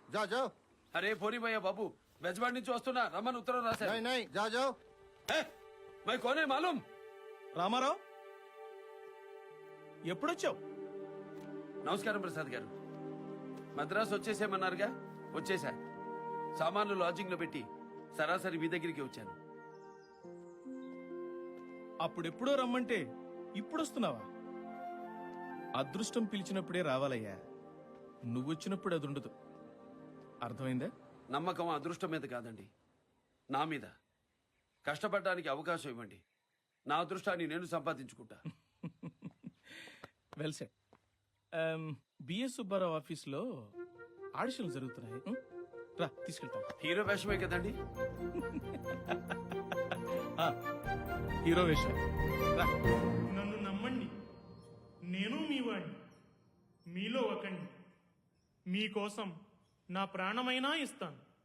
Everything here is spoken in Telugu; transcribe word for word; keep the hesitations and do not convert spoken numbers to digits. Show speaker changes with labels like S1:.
S1: जा जाओ।
S2: అరే పోనీ భయ్యా బాబు బెజవాడి నుంచి వస్తున్నా రమ్మని ఉత్తరం రాశారు.
S1: नहीं नहीं जा जाओ।
S2: ఏ, మై కోనే మాలూం.
S3: రామారావు ఎప్పుడొచ్చావు?
S2: నమస్కారం ప్రసాద్ గారు. మద్రాసు వచ్చేసేమన్నారుగా, వచ్చేసా. సామాన్లు లాడ్జింగ్ లో పెట్టి సరాసరి మీ దగ్గరికి వచ్చాను.
S3: అప్పుడెప్పుడో రమ్మంటే ఇప్పుడొస్తున్నావా? అదృష్టం పిలిచినప్పుడే రావాలయ్యా. నువ్వొచ్చినప్పుడు అది ఉండదు. అర్థమైందా?
S2: నమ్మకం అదృష్టం మీద కాదండి, నా మీద. కష్టపడడానికి అవకాశం ఇవ్వండి, నా అదృష్టాన్ని నేను సంపాదించుకుంటా.
S3: Well set. బిఎస్ సుబ్బారావు ఆఫీస్లో ఆడిషన్లు జరుగుతున్నాయి. ఉం? రా తీసుకెళ్తాను.
S2: హీరో వేషమే కదండి.
S3: ఆ, హీరో వేషం. రా.
S4: నన్ను నమ్మండి, నేను మీ వాడిని, మీలో ఒకండి. మీకోసం నా ప్రాణమైనా ఇస్తాను.